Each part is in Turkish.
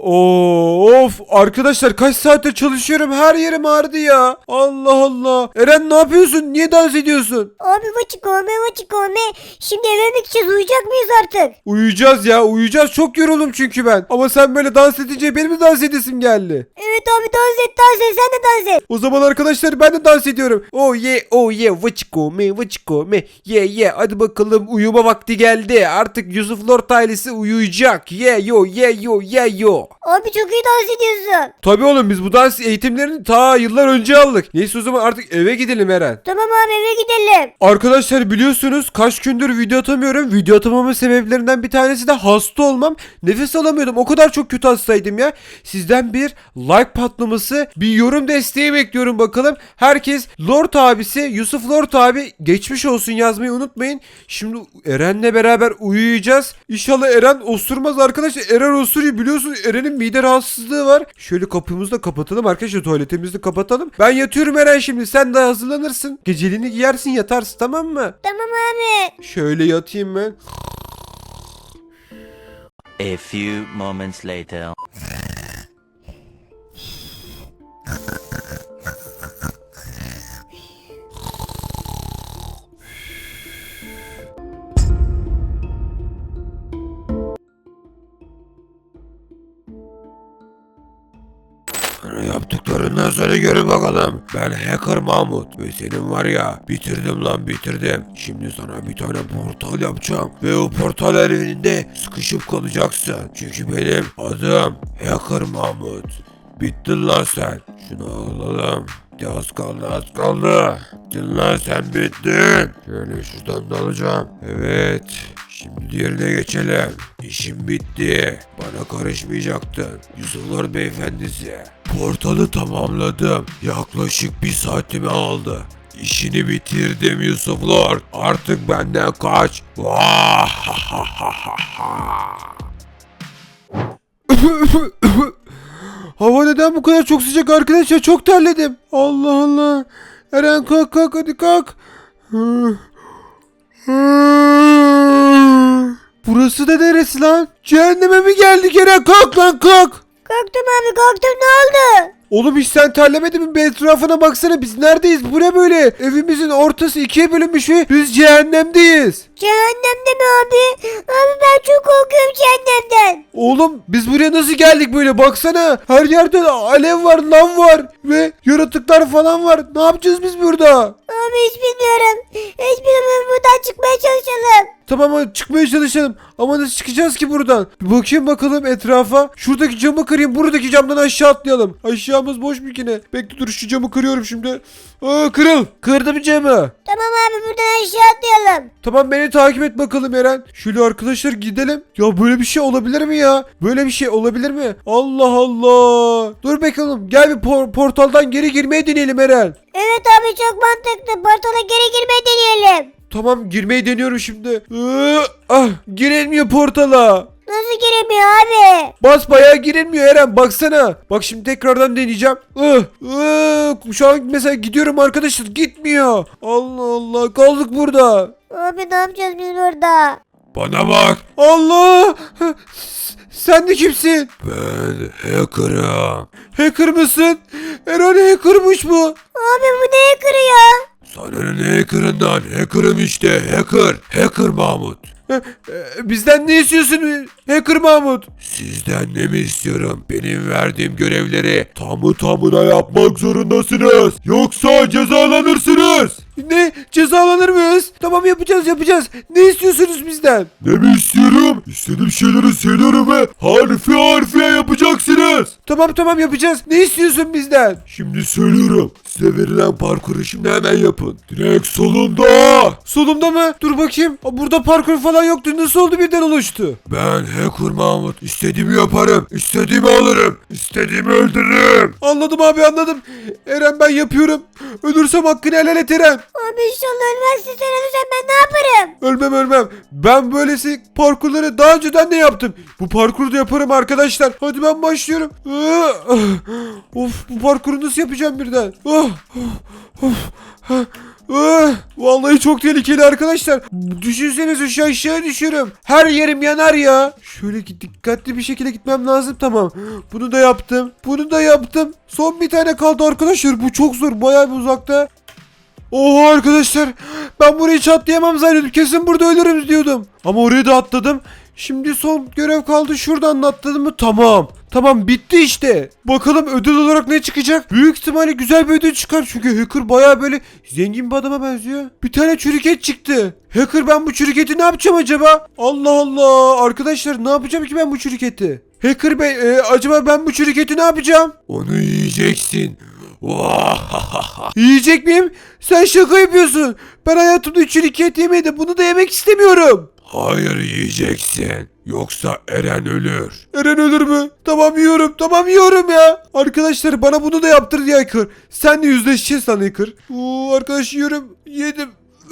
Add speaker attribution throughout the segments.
Speaker 1: Of arkadaşlar kaç saattir çalışıyorum, her yerim ağrıdı ya. Allah Allah. Eren ne yapıyorsun? Niye dans ediyorsun?
Speaker 2: Abi vaçikome. Şimdi eve mi gideceğiz, uyuyacak mıyız artık?
Speaker 1: Uyuyacağız ya, uyuyacağız. Çok yoruldum çünkü ben. Ama sen böyle dans edince benim de dans edesim geldi.
Speaker 2: Evet abi, dans et sen de dans et.
Speaker 1: O zaman arkadaşlar ben de dans ediyorum. Oh yeah vıçkome yeah. Hadi bakalım, uyuma vakti geldi. Artık Yusuf Lord ailesi uyuyacak. Yeah yo.
Speaker 2: Abi çok iyi dans ediyorsun.
Speaker 1: Tabii oğlum, biz bu dans eğitimlerini ta yıllar önce aldık. Neyse o zaman artık eve gidelim Eren.
Speaker 2: Tamam abi, eve gidelim.
Speaker 1: Arkadaşlar biliyorsunuz kaç gündür video atamıyorum. Video atamamın sebeplerinden bir tanesi de hasta olmam. Nefes alamıyordum. O kadar çok kötü hastaydım ya. Sizden bir like patlaması, bir yorum desteği bekliyorum bakalım. Herkes Lord abisi, Yusuf Lord abi geçmiş olsun yazmayı unutmayın. Şimdi Eren'le beraber uyuyacağız. İnşallah Eren osurmaz arkadaşlar. Eren osuruyor, biliyorsunuz Eren'in mide rahatsızlığı var. Şöyle kapımızı da kapatalım arkadaşlar, tuvaletimizi de kapatalım. Ben yatıyorum Eren şimdi, sen de hazırlanırsın. Geceliğini giyersin, yatarsın, tamam mı?
Speaker 2: Tamam abi.
Speaker 1: Şöyle yatayım ben.
Speaker 3: A few moments later.
Speaker 1: Yaptıklarından sonra görün bakalım. Ben Hacker Mahmut ve senin var ya, bitirdim lan bitirdim. Şimdi sana bir tane portal yapacağım ve o portal evinde sıkışıp kalacaksın. Çünkü benim adım Hacker Mahmut. Bittin lan sen. Şunu alalım. Az kaldı. Bittin lan sen, bittin. Şöyle şuradan da alacağım. Evet. Şimdi diğerine geçelim. İşim bitti. Bana karışmayacaktın. Yusuflar beyefendisi. Portalı tamamladım. Yaklaşık 1 saatimi aldı. İşini bitirdim Yusuflar. Artık benden kaç. Hava neden bu kadar çok sıcak arkadaşlar? Çok terledim. Allah Allah. Eren kalk hadi kalk. Burası da neresi lan? Cehenneme mi geldik Eren? Kalk lan kalk.
Speaker 2: Kalktım abi, kalktım, ne oldu?
Speaker 1: Oğlum hiç sen terlemedin mi? Bir etrafına baksana, biz neredeyiz? Bu ne böyle? Evimizin ortası ikiye bölünmüş ve biz cehennemdeyiz.
Speaker 2: Cehennemde mi abi? Abi ben çok korkuyorum cehennemden.
Speaker 1: Oğlum biz buraya nasıl geldik böyle? Baksana. Her yerde alev var, lav var ve yaratıklar falan var. Ne yapacağız biz burada?
Speaker 2: Abi hiç bilmiyorum. Hiç bilmiyorum, buradan çıkmaya çalışalım.
Speaker 1: Tamam hadi çıkmaya çalışalım. Ama nasıl çıkacağız ki buradan? Bir bakayım bakalım etrafa. Şuradaki camı kırayım. Buradaki camdan aşağı atlayalım. Aşağımız boş mu yine? Bekle dur, şu camı kırıyorum şimdi. Kırıl. Kırdım camı.
Speaker 2: Tamam abi, buradan aşağı atlayalım.
Speaker 1: Tamam beni takip et bakalım Eren. Şöyle arkadaşlar gidelim. Ya böyle bir şey olabilir mi ya? Böyle bir şey olabilir mi? Allah Allah. Dur bakalım. Gel bir portaldan geri girmeye deneyelim Eren.
Speaker 2: Evet abi, çok mantıklı. Portala geri girmeyi deneyelim.
Speaker 1: Tamam girmeyi deniyorum şimdi. Girilmiyor portala.
Speaker 2: Nasıl giremiyor abi?
Speaker 1: Basbayağı girilmiyor Eren, baksana. Bak şimdi tekrardan deneyeceğim. Şu an mesela gidiyorum arkadaşlar, gitmiyor. Allah Allah, kaldık burada.
Speaker 2: Abi ne yapacağız biz burada?
Speaker 1: Bana bak. Allah. Sen de kimsin? Ben hacker'ım. Hacker mısın? Eren hacker'mış bu.
Speaker 2: Abi bu neye kırıyor?
Speaker 1: Sana ne hacker'ından? Hacker'ım işte, Hacker Mahmut. Bizden ne istiyorsun Hacker Mahmut? Sizden ne mi istiyorum? Benim verdiğim görevleri tamına yapmak zorundasınız. Yoksa cezalanırsınız. Ne? Cezalanır mıyız? Tamam yapacağız. Ne istiyorsunuz bizden? Ne mi istiyorum? İstediğim şeyleri söylüyorum ve harfiye yapacaksınız. Tamam yapacağız. Ne istiyorsun bizden? Şimdi söylüyorum. Size verilen parkuru şimdi hemen yapın. Direkt solumda. Solumda mı? Dur bakayım. Burada parkur falan yoktu. Nasıl oldu, birden oluştu? Ben Hacker Mahmut. İstediğimi yaparım. İstediğimi alırım. İstediğimi öldürürüm. Anladım abi, anladım. Eren ben yapıyorum. Ölürsem hakkını helal et Eren.
Speaker 2: Abi inşallah ölmezsin, sen ölürsen ben ne yaparım?
Speaker 1: Ölmem. Ben böylesi parkurları daha önceden de yaptım. Bu parkuru da yaparım arkadaşlar. Hadi ben başlıyorum. Of, bu parkuru nasıl yapacağım birden? Vallahi çok tehlikeli arkadaşlar. Düşünsenize şu aşağı düşüyorum. Her yerim yanar ya. Şöyle dikkatli bir şekilde gitmem lazım. Tamam. Bunu da yaptım. Bunu da yaptım. Son bir tane kaldı arkadaşlar. Bu çok zor. Bayağı bir uzakta. Oha arkadaşlar. Ben burayı hiç atlayamam zannediyordum. Kesin burada ölürüm diyordum. Ama oraya da atladım. Şimdi son görev kaldı. Şuradan da atladım mı? Tamam. Tamam bitti işte. Bakalım ödül olarak ne çıkacak? Büyük ihtimalle güzel bir ödül çıkar. Çünkü hacker bayağı böyle zengin bir adama benziyor. Bir tane çürüket çıktı. Hacker ben bu çürüketi ne yapacağım acaba? Allah Allah. Arkadaşlar ne yapacağım ki ben bu çürüketi? Hacker bey acaba ben bu çürüketi ne yapacağım? Onu yiyeceksin. Yiyecek miyim? Sen şaka yapıyorsun. Ben hayatımda çürüket yemedim. Bunu da yemek istemiyorum. Hayır yiyeceksin. Yoksa Eren ölür. Eren ölür mü? Tamam yiyorum. Tamam yiyorum ya. Arkadaşlar bana bunu da yaptırdı ya Hacker. Senle yüzleşeceğiz lan Hacker. Arkadaş yiyorum. Yedim.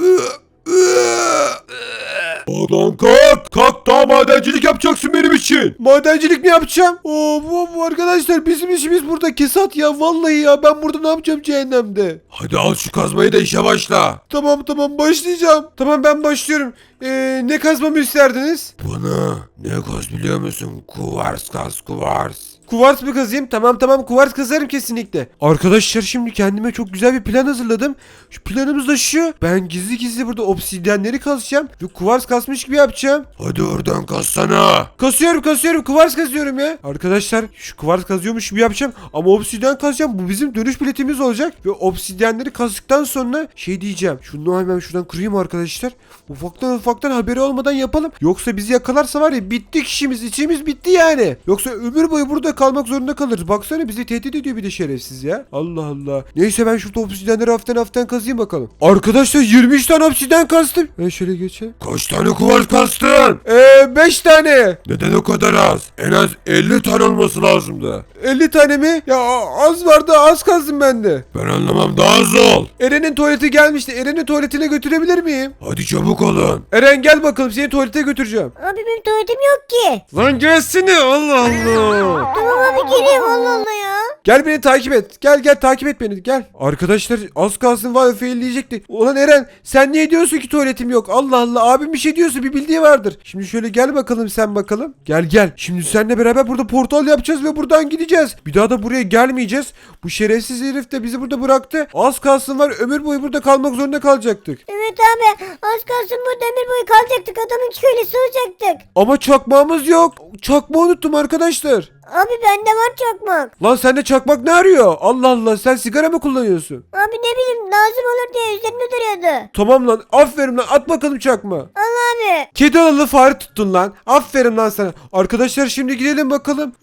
Speaker 1: Lan kalk. Kalk daha madencilik yapacaksın benim için. Madencilik mi yapacağım? Bu arkadaşlar bizim işimiz burada kesat ya. Vallahi ya ben burada ne yapacağım cehennemde? Hadi al şu kazmayı da işe başla. Tamam başlayacağım. Tamam ben başlıyorum. Ne kazmamı isterdiniz? Bunu ne kaz biliyor musun? Kuvars kaz kuvars. Kuvars mı kazayım? Tamam kuvars kazarım kesinlikle. Arkadaşlar şimdi kendime çok güzel bir plan hazırladım. Şu planımız da şu. Ben gizli burada obsidyenleri kazacağım. Ve kuvars kasmış gibi yapacağım. Hadi oradan kazsana. Kasıyorum kuvars kazıyorum ya. Arkadaşlar şu kuvars kazıyormuş gibi yapacağım. Ama obsidyen kazacağım. Bu bizim dönüş biletimiz olacak. Ve obsidyenleri kazdıktan sonra şey diyeceğim. Şunu hemen şuradan kırayım arkadaşlar. Ufaktan haberi olmadan yapalım. Yoksa bizi yakalarsa var ya bittik işimiz bitti yani. Yoksa ömür boyu burada kalmak zorunda kalırız. Baksana bizi tehdit ediyor bir de şerefsiz ya. Allah Allah. Neyse ben şurada obsidyenleri hafiften kazıyım bakalım. Arkadaşlar 23 tane obsidyen kastım. Şöyle geçelim. Kaç tane kuvars kastın? 5 tane. Neden o kadar az? En az 50 tane olması lazımdı. 50 tane mi? Ya az vardı az kazdım ben de. Ben anlamam daha az ol. Eren'in tuvaleti gelmişti. Eren'in tuvaletine götürebilir miyim? Hadi çabuk olun. Eren gel bakalım seni tuvalete götüreceğim.
Speaker 2: Abi benim tuvaletim yok ki.
Speaker 1: Lan gelsene Allah Allah.
Speaker 2: Tamam abi geleyim Allah Allah ya.
Speaker 1: Gel beni takip et. Gel takip et beni gel. Arkadaşlar az kalsın var failleyecekti. Ulan Eren sen niye diyorsun ki tuvaletim yok? Allah Allah abim bir şey diyorsa bir bildiği vardır. Şimdi şöyle gel bakalım sen bakalım. Gel. Şimdi seninle beraber burada portal yapacağız ve buradan gideceğiz. Bir daha da buraya gelmeyeceğiz. Bu şerefsiz herif de bizi burada bıraktı. Az kalsın var ömür boyu burada kalmak zorunda kalacaktık.
Speaker 2: Evet abi az kalsın burada ömür boyu kalacaktık. Adamın kölesi olacaktık.
Speaker 1: Ama çakmağımız yok. Çakmağı unuttum arkadaşlar.
Speaker 2: Abi bende var çakmak.
Speaker 1: Lan sende çakmak ne arıyor? Allah Allah sen sigara mı kullanıyorsun?
Speaker 2: Abi ne bileyim lazım olur diye üzerimde duruyordu.
Speaker 1: Tamam lan aferin lan at bakalım çakma.
Speaker 2: Allah abi.
Speaker 1: Kedi alalı fare tuttun lan. Aferin lan sana. Arkadaşlar şimdi gidelim bakalım.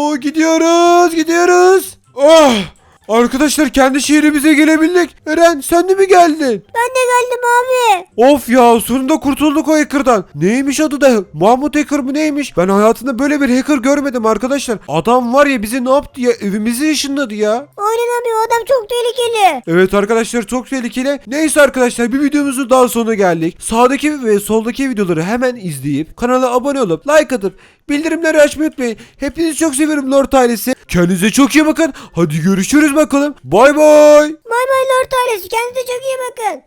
Speaker 1: Gidiyoruz. Oh! Arkadaşlar kendi şehrimize gelebildik. Eren sen de mi geldin?
Speaker 2: Ben de geldim abi.
Speaker 1: Of ya sonunda kurtulduk o hacker'dan. Neymiş adı da? Mahmut Hacker mı neymiş? Ben hayatımda böyle bir hacker görmedim arkadaşlar. Adam var ya bizi ne yaptı ya? Evimizi ışınladı ya.
Speaker 2: Aynen abi o adam çok tehlikeli.
Speaker 1: Evet arkadaşlar çok tehlikeli. Neyse arkadaşlar bir videomuzun daha sonuna geldik. Sağdaki ve soldaki videoları hemen izleyip kanala abone olup like atıp bildirimleri açmayı unutmayın. Hepinizi çok seviyorum Lord ailesi. Kendinize çok iyi bakın. Hadi görüşürüz bakalım. Bay bay.
Speaker 2: Bay bay Lord ailesi kendinize çok iyi bakın.